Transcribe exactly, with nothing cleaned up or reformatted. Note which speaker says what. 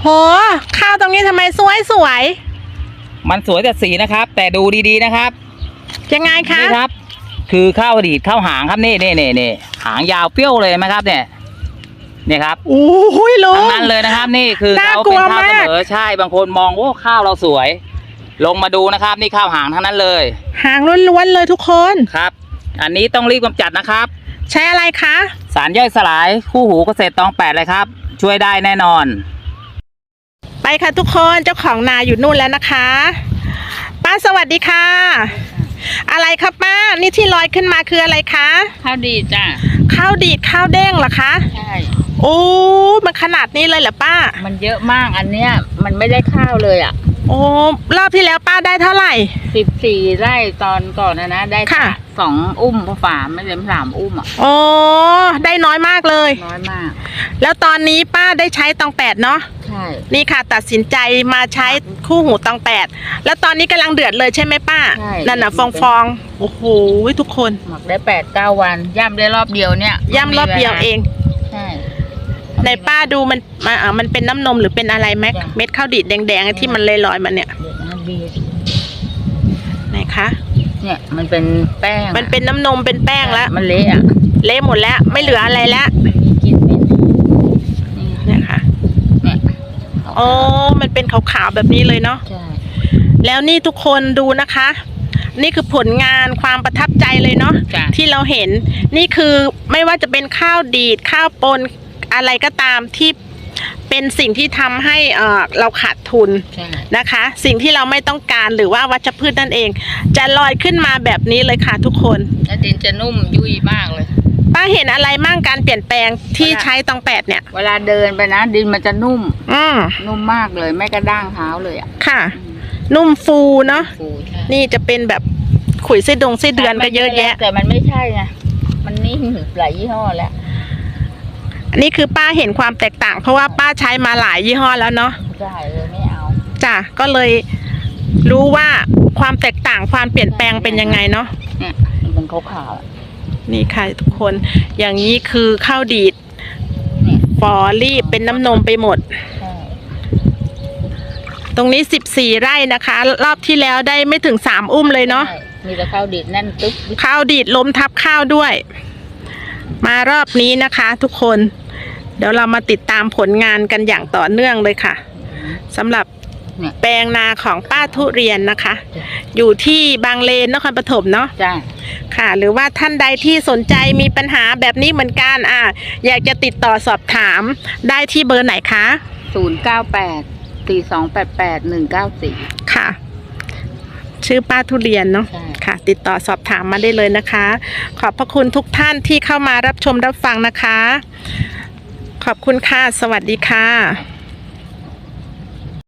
Speaker 1: โหข้าวตรงนี้ทำไมสวยสวย
Speaker 2: มันสวยแต่สีนะครับแต่ดูดีๆนะครับ
Speaker 1: ยังไงคะ
Speaker 2: นี่ครับคือข้าวดีดข้าวหางครับนี่นี่นี่นี่หางยาวเปี้ยวเลยไหมครับเนี่ยนี่ครับ
Speaker 1: โอ้โหลุง
Speaker 2: ทั้งนั้นเลยนะครับนี่คือเขาเป็นข้าวเสมอใช่บางคนมองว่าข้าวเราสวยลงมาดูนะครับนี่ข้าวหางทั้งนั้นเลย
Speaker 1: หางล้วนๆเลยทุกคน
Speaker 2: ครับอันนี้ต้องรีบกำจัดนะครับ
Speaker 1: ใช้อะไรคะ
Speaker 2: สารย่อยสลายคู่หูเกษตรตองแปดเลยครับช่วยได้แน่นอน
Speaker 1: ไปค่ะทุกคนเจ้าของนาอยู่นู่นแล้วนะคะป้าสวัสดีค่ะอะไรครับป้านี่ที่ลอยขึ้นมาคืออะไรคะ
Speaker 3: ข้าวดีดจ้ะ
Speaker 1: ข้าวดีดข้าวเด้งเหรอคะ
Speaker 3: ใช่
Speaker 1: โอ้มันขนาดนี้เลยเหรอป้า
Speaker 3: มันเยอะมากอันเนี้ยมันไม่ได้ข้าวเลยอ่ะ
Speaker 1: โอ้รอบที่แล้วป้าได้เท่าไหร่
Speaker 3: สิบสี่ไร่ตอนก่อนนะนะได้ค่ะสองอุ้มฝาไม่เต็มสามอุ้มอ่ะ
Speaker 1: โอ้ได้น้อยมากเลย
Speaker 3: น้อยมาก
Speaker 1: แล้วตอนนี้ป้าได้ใช้ตองแปดเนาะ
Speaker 3: ใช่
Speaker 1: นี่ค่ะตัดสินใจมาใช้คู่หูตองแปดแล้วตอนนี้กำลังเดือดเลยใช่ไหมป้า
Speaker 3: ใช่
Speaker 1: นั่นน่ะฟองฟองโอ้โหทุกคน
Speaker 3: หมักได้แปดเก้าวันย่ำได้รอบเดียวเนี่ย
Speaker 1: ย่ำรอบเดียวเอง
Speaker 3: ใช่
Speaker 1: ในป้าดูมันมาอ่ามันเป็นน้ำนมหรือเป็นอะไรไหมเม็ดข้าวดีดแดงๆที่มันลอยๆมันเนี่ยไหนคะ
Speaker 3: เนี่ยมันเป็นแป้ง
Speaker 1: มันเป็นน้ำนมเป็นแป้งแล้ว
Speaker 3: มันเละอะ
Speaker 1: เละหมดแล้วไม่เหลืออะไรแล้ว
Speaker 3: กินเป็น
Speaker 1: เนี่ยค่ะ
Speaker 3: เนี่ย
Speaker 1: โอ้มันเป็นขาวๆแบบนี้เลยเนาะ
Speaker 3: ใช่
Speaker 1: แล้วนี่ทุกคนดูนะคะนี่คือผลงานความประทับใจเลยเนาะที่เราเห็นนี่คือไม่ว่าจะเป็นข้าวดีดข้าวปนอะไรก็ตามที่เป็นสิ่งที่ทำให้เอ่อเราขาดทุนนะคะสิ่งที่เราไม่ต้องการหรือว่าวัชพืชนั่นเองจะลอยขึ้นมาแบบนี้เลยค่ะทุกคน
Speaker 3: แล้วดินจะนุ่มยุ่ยมากเลย
Speaker 1: ป้าเห็นอะไรมั่งการเปลี่ยนแปลงที่ใช้ตองแปดเนี่ย
Speaker 3: เวลาเดินไปนะดินมันจะนุ่ม
Speaker 1: อืม
Speaker 3: นุ่มมากเลยไม่กระด้างเท้าเลยอ่ะ
Speaker 1: ค่ะนุ่มฟูเนาะนี่จะเป็นแบบขุยไส้ดงไส้เดือนก็เยอะแยะ
Speaker 3: แต่มันไม่ใช่ไงมันนิ่มหลายยี่ห้อแล้ว
Speaker 1: นี่คือป้าเห็นความแตกต่างเพราะว่าป้าใช้มาหลายยี่ห้อแล้วเนาะ
Speaker 3: ใช่เลยไม่เอา
Speaker 1: จ้ะก็เลยรู้ว่าความแตกต่างความเปลี่ยนแปลงเป็นยังไงเนาะ
Speaker 3: เนี่ยมันขาว
Speaker 1: ๆนี่ค่ะทุกคนอย่างนี้คือข้าวดีดฟอรีบเป็นน้ำนมไปหมดตรงนี้สิบสี่ไร่นะคะรอบที่แล้วได้ไม่ถึงสามอุ้มเลยเนาะ
Speaker 3: มีแต่ข้าวดีดแน่นตึ๊บ
Speaker 1: ข้าวดีดล้มทับข้าวด้วยมารอบนี้นะคะทุกคนเดี๋ยวเรามาติดตามผลงานกันอย่างต่อเนื่องเลยค่ะสำหรับแปลงนาของป้าทุเรียนนะคะอยู่ที่บางเลนนครปฐมเนาะ
Speaker 3: จ้ะ
Speaker 1: ค่ะหรือว่าท่านใดที่สนใจมีปัญหาแบบนี้เหมือนกันอ่ะอยากจะติดต่อสอบถามได้ที่เบอร์ไหนคะ
Speaker 3: ศูนย์เก้าแปดสี่สองแปดแปดหนึ่งเก้าสี่
Speaker 1: ค่ะชื่อป้าทุเรียนเนาะค่ะติดต่อสอบถามมาได้เลยนะคะขอบพระคุณทุกท่านที่เข้ามารับชมรับฟังนะคะขอบคุณค่ะสวัสดีค่ะ